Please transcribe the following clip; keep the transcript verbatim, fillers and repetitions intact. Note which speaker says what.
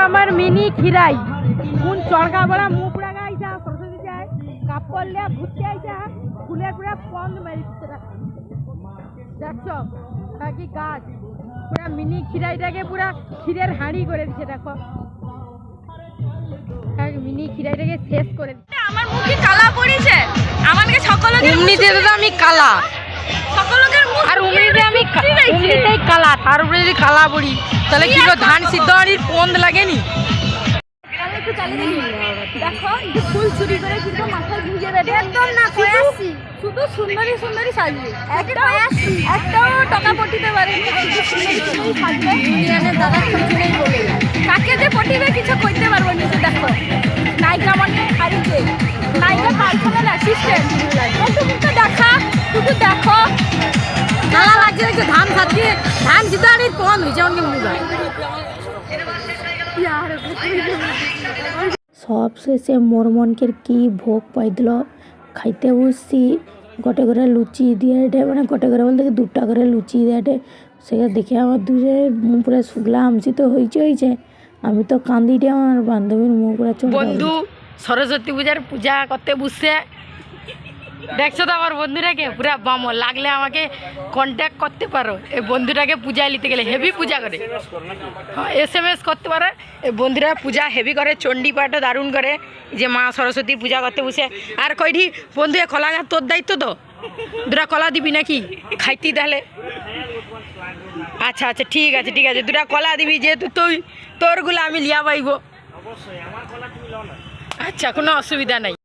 Speaker 1: আমার মিনি খিরাই কোন চড়কা বড়া মুখ পুরা গাইছা সরস্বতী যায় কাপড় লিয়া ঘুরতে আইছা ফুলের পুরা পন্দ মারিছে দেখছো কি গাছ পুরা মিনি খিরাইটাকে পুরা ক্ষীরের হাঁড়ি করে দিচ্ছে দেখো মিনি খিরাইটাকে শেষ করে দিচ্ছে।
Speaker 2: আমার মুখে কালা পড়েছে আমাকে সকলকে
Speaker 1: এমনিতে তো আমি কালা
Speaker 2: সকলকে
Speaker 1: আর উমরিতে আমি এমনিতেই কালা তার উপরে যদি কালা পড়ি তাহলে কি ধান সিদ্ধ হাঁড়ির পন্দ লাগেনি।
Speaker 2: দেখো ফুল চুরি করে কিন্তু মাথায় ভিজে দেবে একদম না কয়াসি শুধু সুন্দরী সুন্দরী সাজবে একদম একটাও টাকা পটিতে পারে শুধু সুন্দরী সুন্দরী সাজবে দুনিয়াতে দাদা কিছু নেই বলে কাকে যে পটিবে কিছু কইতে পারবো না। দেখো নায়িকা মানে হারিতে নায়িকা পার্সোনাল অ্যাসিস্ট্যান্ট তুমি তো দেখা শুধু দেখো
Speaker 1: কালা লাগছে দেখছো ধান সাজিয়ে ধান সিদ্ধ হাঁড়ির পন্দ হয়েছে অনেক মুখা
Speaker 3: সব শেষে মোর মনকের কি ভোগ পাইছিল খাইতে বসছি গোটে করে লুচি দিয়ে এটে মানে গোটে করে বলতে দুটা করে লুচি দিয়ে এটে সেটা দেখে আমার দুজে মুখ পুরো শুকলা আমসি তো হয়েছে হয়েছে আমি তো কান্দিটে আমার বান্ধবীর মুখ পুরো চোখ
Speaker 1: বন্ধু সরস্বতী পূজার পূজা করতে বসছে দেখছো তো আমার বন্ধুটাকে পুরা বাম লাগলে আমাকে কন্ট্যাক্ট করতে পারো এই বন্ধুটাকে পূজায় নিতে গেলে হেভি পূজা করে হ্যাঁ এস এম এস করতে পারো এই বন্ধুরা পূজা হেভি করে চণ্ডী পাঠও দারুণ করে যে মা সরস্বতীর পূজা করতে বসে আর কইটি বন্ধু কলা গাছ তোর দায়িত্ব তো দুটা কলা দিবি নাকি খাইতি তাহলে আচ্ছা আচ্ছা ঠিক আছে ঠিক আছে দুটা কলা দিবি যেহেতু তুই তোরগুলো আমি লিয়া পাইব আচ্ছা কোনো অসুবিধা নাই।